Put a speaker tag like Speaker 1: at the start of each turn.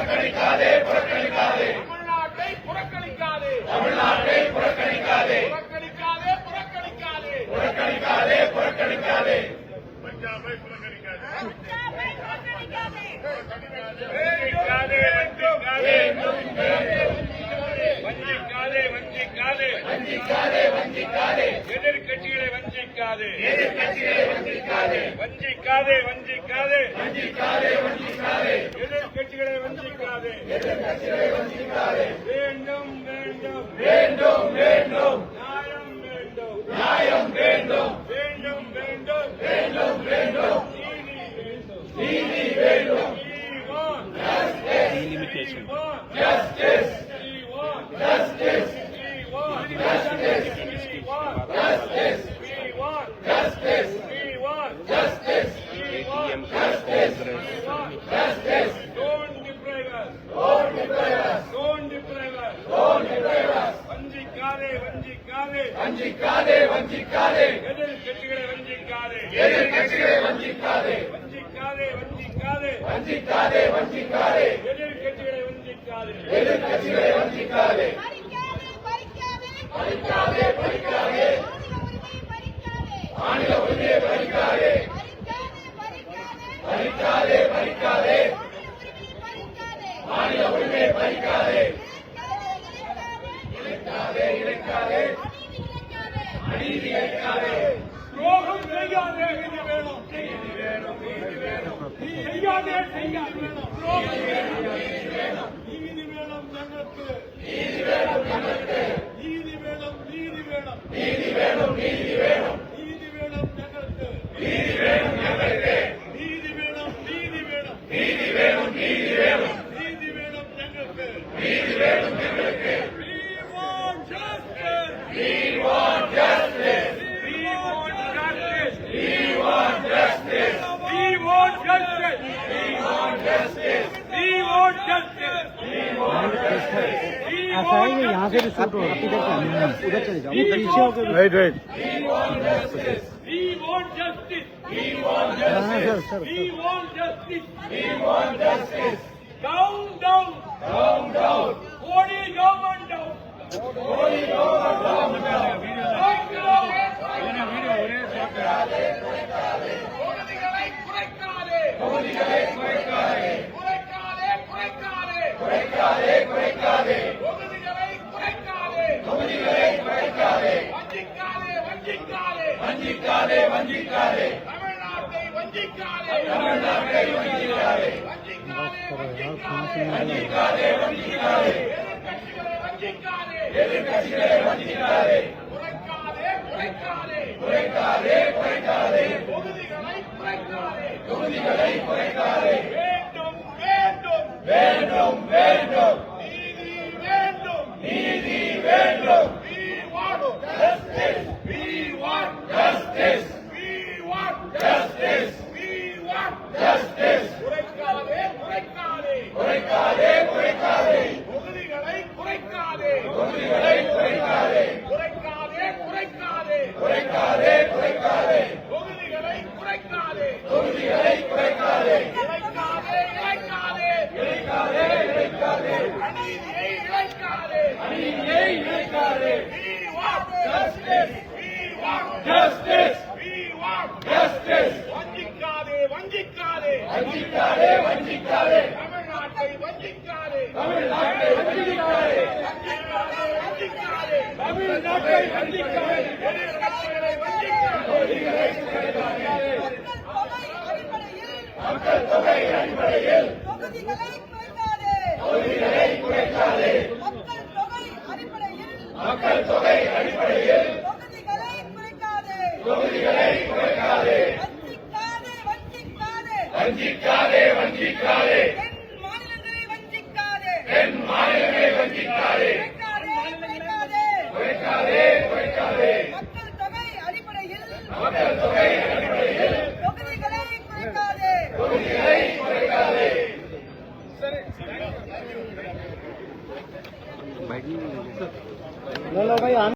Speaker 1: புறக்கணிக்காதே புறக்கணிக்காதே
Speaker 2: தமிழ்நாட்டை புறக்கணிக்காதே
Speaker 1: தமிழ்நாட்டை புறக்கணிக்காதே
Speaker 2: புறக்கணிக்காதே புறக்கணிக்காதே
Speaker 1: புறக்கணிக்காதே புறக்கணிக்காதே
Speaker 2: பஞ்சாபை புறக்கணிக்காதே
Speaker 1: வஞ்சிக்காதே வஞ்சிக்காதே வஞ்சிக்காதே வஞ்சிக்காதே
Speaker 2: எதிர்கட்சிகளை வஞ்சிக்காதே
Speaker 1: எதிர்கட்சிகளை வஞ்சிக்காதே
Speaker 2: வஞ்சிக்காதே வஞ்சிக்காதே
Speaker 1: வஞ்சிக்காதே வஞ்சிக்காதே
Speaker 2: எதிர்கட்சிகளை வஞ்சிக்காதே
Speaker 1: எதிர்கட்சிகளை வஞ்சிக்காதே
Speaker 2: வேண்டும் வேண்டும்
Speaker 1: வேண்டும் வேண்டும்
Speaker 2: நியாயம் வேண்டும்
Speaker 1: நியாயம் வேண்டும்
Speaker 2: வேண்டும் வேண்டும்
Speaker 1: வேண்டும் வேண்டும்
Speaker 2: நீதி வேண்டும்
Speaker 1: நீதி வேண்டும்
Speaker 2: We want
Speaker 1: justice
Speaker 2: we want
Speaker 1: justice
Speaker 2: we want
Speaker 1: justice
Speaker 2: we want
Speaker 1: justice
Speaker 2: we want
Speaker 1: justice
Speaker 2: we want
Speaker 1: justice
Speaker 2: we want
Speaker 1: justice
Speaker 2: we want
Speaker 1: justice
Speaker 2: don't deprive us
Speaker 1: don't deprive us
Speaker 2: don't deprive us
Speaker 1: don't deprive us
Speaker 2: வஞ்சிக்காதே வஞ்சிக்காதே
Speaker 1: வஞ்சிக்காதே வஞ்சிக்காதே
Speaker 2: எதிர்கட்சிகளை வஞ்சிக்காதே
Speaker 1: எதிர்கட்சிகளை வஞ்சிக்காதே
Speaker 2: வஞ்சிக்காதே வஞ்சிக்காதே
Speaker 1: வஞ்சிக்காதே வஞ்சிக்காதே
Speaker 2: எதிர்கட்சிகளை வஞ்சிக்காதே
Speaker 1: எதிர்கட்சிகளை வஞ்சிக்காதே
Speaker 3: பறிக்காதே
Speaker 1: பறிக்காதே பறிக்காதே மாநில உரிமையை பறிக்காதே பறிக்காதே பறிக்காதே மாநில உரிமையை பறிக்காதே இழைக்காதே இழைக்காதே அநீதி இழைக்காதே
Speaker 2: துரோகம் செய்யாதே நீதி வேணும்
Speaker 1: நீதி வேணும் நீதி வேணும்
Speaker 2: செய்யாதே செய்யாதே வேணும் துரோகம் நீதி வேணும் ഞങ്ങൾക്ക്
Speaker 1: நீதி வேணும் நமக்கு
Speaker 2: நீதி வேணும் நீதி வேணும்
Speaker 1: நீதி வேணும் நீதி வேணும்
Speaker 2: நீதி வேணும் ഞങ്ങൾക്ക്
Speaker 1: நீதி வேணும் நமக்கு
Speaker 2: நீதி வேணும் நீதி வேணும்
Speaker 1: நீதி வேணும் நீதி வேணும்
Speaker 2: நீதி வேணும் ഞങ്ങൾക്ക്
Speaker 1: நீதி வேணும் நமக்கு
Speaker 2: We want justice.
Speaker 1: We want justice.
Speaker 2: We want justice.
Speaker 1: We want justice.
Speaker 2: We want justice.
Speaker 1: We want justice.
Speaker 2: We want justice.
Speaker 1: We want justice.
Speaker 2: We
Speaker 4: ऐसा है कि यहाँ से भी शूट हो रहा है, इधर से उधर चले जाओ पीछे होकर right right
Speaker 1: We want justice.
Speaker 2: We want justice.
Speaker 1: We want
Speaker 4: हाँ
Speaker 1: justice.
Speaker 4: Sir
Speaker 2: We want justice.
Speaker 1: We want justice.
Speaker 2: Down, down.
Speaker 1: Down, down.
Speaker 2: Modi government down.
Speaker 1: Modi government down.
Speaker 2: தொகுதிகளை குறைக்காதே.
Speaker 1: தொகுதிகளை குறைக்காதே.
Speaker 2: குறைக்காதே, குறைக்காதே.
Speaker 1: குறைக்காதே குறைக்காதே.
Speaker 2: தொகுதிகளை குறைக்காதே.
Speaker 1: தொகுதிகளை குறைக்காதே.
Speaker 2: வஞ்சிக்காதே, வஞ்சிக்காதே.
Speaker 1: வஞ்சிக்காதே வஞ்சிக்காதே.
Speaker 2: தமிழ்நாட்டை வஞ்சிக்காதே.
Speaker 1: தமிழ்நாட்டை வஞ்சிக்காதே.
Speaker 2: வஞ்சிக்காதே, வஞ்சிக்காதே.
Speaker 1: வஞ்சிக்காதே வஞ்சிக்காதே.
Speaker 2: எதிர்க்கட்சிகளை வஞ்சிக்காதே.
Speaker 1: எதிர்கட்சிகளை வஞ்சிக்காதே.
Speaker 2: குறைக்காதே, குறைக்காதே.
Speaker 1: குறைக்காதே குறைக்காதே.
Speaker 2: தொகுதிகளை குறைக்காதே.
Speaker 1: தொகுதிகளை குறைக்காதே.
Speaker 2: வேண்டும், வேண்டும்.
Speaker 1: வேண்டும் வேண்டும்.
Speaker 2: நீதி வேண்டும்.
Speaker 1: நீதி வேண்டும்.
Speaker 2: We want
Speaker 1: Justice.
Speaker 2: We want
Speaker 1: Justice.
Speaker 2: We want
Speaker 1: Justice.
Speaker 2: We want
Speaker 1: Justice.
Speaker 2: குறைக்காதே, குறைக்காதே.
Speaker 1: குறைக்காதே குறைக்காதே.
Speaker 2: தொகுதிகளை குறைக்காதே.
Speaker 1: தொகுதிகளை குறைக்காதே.
Speaker 2: குறைக்காதே, குறைக்காதே.
Speaker 1: குறைக்காதே குறைக்காதே.
Speaker 2: தொகுதிகளை குறைக்காதே.
Speaker 1: தொகுதிகளை குறைக்காதே.
Speaker 2: இழைக்காதே, இழைக்காதே.
Speaker 1: இழைக்காதே இழைக்காதே.
Speaker 2: அநீதியை இழைக்காதே.
Speaker 1: அநீதியை இழைக்காதே.
Speaker 2: We want
Speaker 1: Justice.
Speaker 2: We want
Speaker 1: Justice.
Speaker 2: We want
Speaker 1: Justice.
Speaker 2: வஞ்சிக்காதே, வஞ்சிக்காதே.
Speaker 1: வஞ்சிக்காதே வஞ்சிக்காதே.
Speaker 2: தமிழ்நாட்டை வஞ்சிக்காதே.
Speaker 1: தமிழ்நாட்டை வஞ்சிக்காதே.
Speaker 2: வஞ்சிக்காதே, வஞ்சிக்காதே.
Speaker 1: தமிழ்நாட்டை வஞ்சிக்காதே.
Speaker 2: எதிர்க்கட்சிகளை வஞ்சிக்காதே.
Speaker 1: தொகுதிகளை குறைக்காதே.
Speaker 3: மக்கள் தொகை அடிப்படையில்
Speaker 1: மக்கள் தொகை அடிப்படையில்
Speaker 3: தொகுதிகளை குறைக்காதே.
Speaker 1: தொகுதிகளை குறைக்காதே.
Speaker 3: மக்கள் தொகை அடிப்படையில்
Speaker 1: மக்கள் தொகை அடிப்படையில்
Speaker 3: தொகுதிகளை குறைக்காதே.
Speaker 1: தொகுதிகளை குறைக்காதே.
Speaker 3: வஞ்சிக்காதே, வஞ்சிக்காதே.
Speaker 1: வஞ்சிக்காதே வஞ்சிக்காதே.
Speaker 3: தென் மாநிலங்களை வஞ்சிக்காதே.
Speaker 1: தென் மாநிலங்களை வஞ்சிக்காதே.
Speaker 3: குறைக்காதே, குறைக்காதே.
Speaker 1: குறைக்காதே குறைக்காதே.
Speaker 3: மக்கள் தொகை அடிப்படையில்
Speaker 1: மக்கள் தொகை அடிப்படையில்
Speaker 3: தொகுதிகளை குறைக்காதே.
Speaker 1: தொகுதிகளை குறைக்காதே.
Speaker 4: लो लो भाई